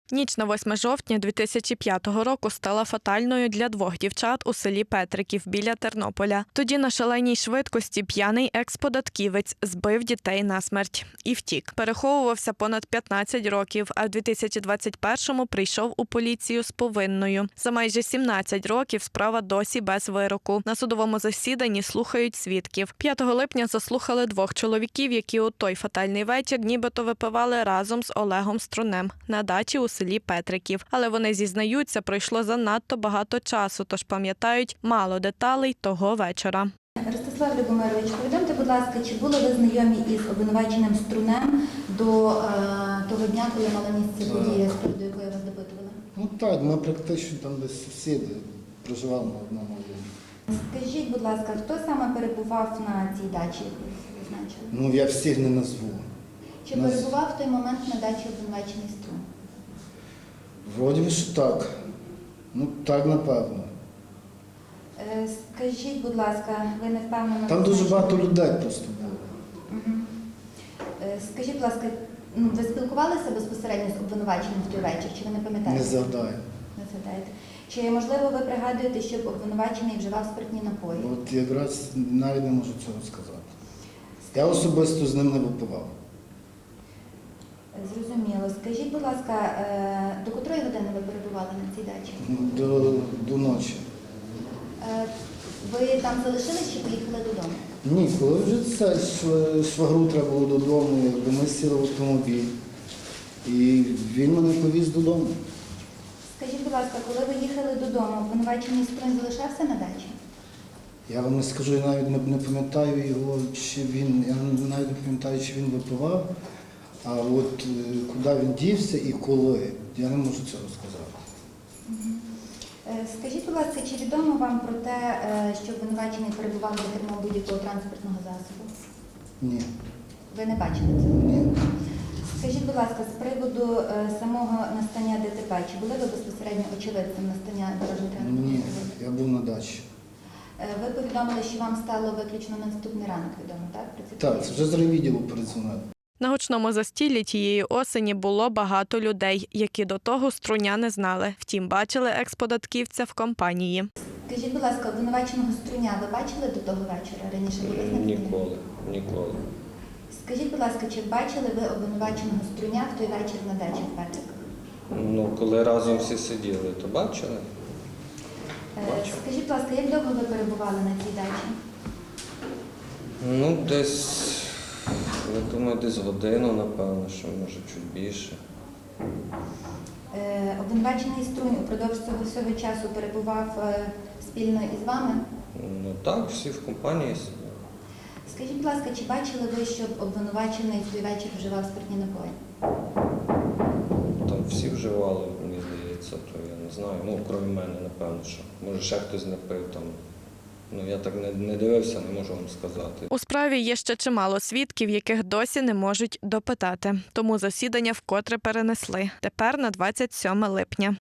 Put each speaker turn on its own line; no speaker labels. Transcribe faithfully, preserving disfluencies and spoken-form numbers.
Ніч на восьме жовтня дві тисячі п'ятого року стала фатальною для двох дівчат у селі Петриків біля Тернополя. Тоді на шаленій швидкості п'яний екс-податківець збив дітей насмерть і втік. Переховувався понад п'ятнадцять років, а в дві тисячі двадцять першому прийшов у поліцію з повинною. За майже сімнадцять років справа досі без вироку. На судовому засіданні слухають свідків. п'ятого липня заслухали двох чоловіків, які у той фатальний вечір нібито випивали разом з Олегом Струнем на дачі у селі Петриків. Але вони зізнаються, пройшло занадто багато часу, тож пам'ятають мало деталей того вечора.
Ростислав Любомирович, повідомте, будь ласка, чи були ви знайомі із обвинуваченим Струнем до е, того дня, коли мала місце подія, з приводу якої вас допитували?
Ну так, ми практично там десь сусіди, проживали на одному районі.
Скажіть, будь ласка, хто саме перебував на цій дачі, яку ви визначили?
Ну я всіх не назву.
Чи
Нас...
перебував в той момент на дачі обвинувачений Струн?
Вроді би, що так. Ну так, напевно.
Е, скажіть, будь ласка, ви не впевнено...
Там дуже багато людей просто було.
Угу. Е, скажіть, будь ласка, ну, ви спілкувалися безпосередньо з обвинуваченим в той вечір, чи ви не пам'ятаєте?
Не згадаю.
Не згадаєте. Чи, можливо, ви пригадуєте, щоб обвинувачений вживав спиртні напої?
От якраз навіть не можу цього сказати. Я особисто з ним не випивав.
Зрозуміло. Скажіть, будь ласка, е, до котрої години ви перебували на цій дачі?
До, до ночі.
Е, Ви там залишились чи поїхали додому?
Ні, коли вже це шв- швагру треба було додому, якби ми сіли в автомобіль. І він мене повіз додому.
Скажіть, будь ласка, коли ви їхали додому, обвинувачений Струн залишався на дачі?
Я вам не скажу, я навіть не, не пам'ятаю його, чи він, я навіть не пам'ятаю, чи він випивав, а от е, куди він дівся і коли, я не можу цього сказати.
Е, Скажіть, будь ласка, чи відомо вам про те, е, що обвинувачений перебував за кермом будь-якого транспортного засобу?
Ні.
Ви не бачили цього?
Ні.
Скажіть, будь ласка, з приводу е, самого настання ДТП, чи були ви безпосередньо очевидцем настання дорожньо-транспортного
Ні,
засобу?
я був на дачі.
Е, Ви повідомили, що вам стало виключно на наступний ранок відомо, так? Про ці
Так,
події?
це вже з райвідділу передзвонили.
На гучному застіллі тієї осені було багато людей, які до того Струня не знали. Втім, бачили екс-податківця в компанії.
Скажіть, будь ласка, обвинуваченого Струня ви бачили до того вечора? Раніше були знайомі?
Ніколи, ніколи.
Скажіть, будь ласка, чи бачили ви обвинуваченого Струня в той вечір на дачі в Петриках?
Ну, коли разом всі сиділи, то бачили?
Е,
Бачив.
Скажіть, будь ласка, як довго ви перебували на цій дачі?
Ну, десь, я думаю, десь годину, напевно, що може чуть більше.
Е, Обвинувачений Струнь упродовж цього всього часу перебував е, спільно із вами?
Ну так, всі в компанії сиділи.
Скажіть, будь ласка, чи бачили ви, щоб обвинувачений в той вечір вживав спиртні напої?
Там всі вживали, мені здається, то я не знаю. Ну, крім мене, напевно, що. Може, ще хтось не пив там. Ну, я так не, не дивився, не можу вам сказати.
У справі є ще чимало свідків, яких досі не можуть допитати. Тому засідання вкотре перенесли. Тепер на двадцять сьоме липня.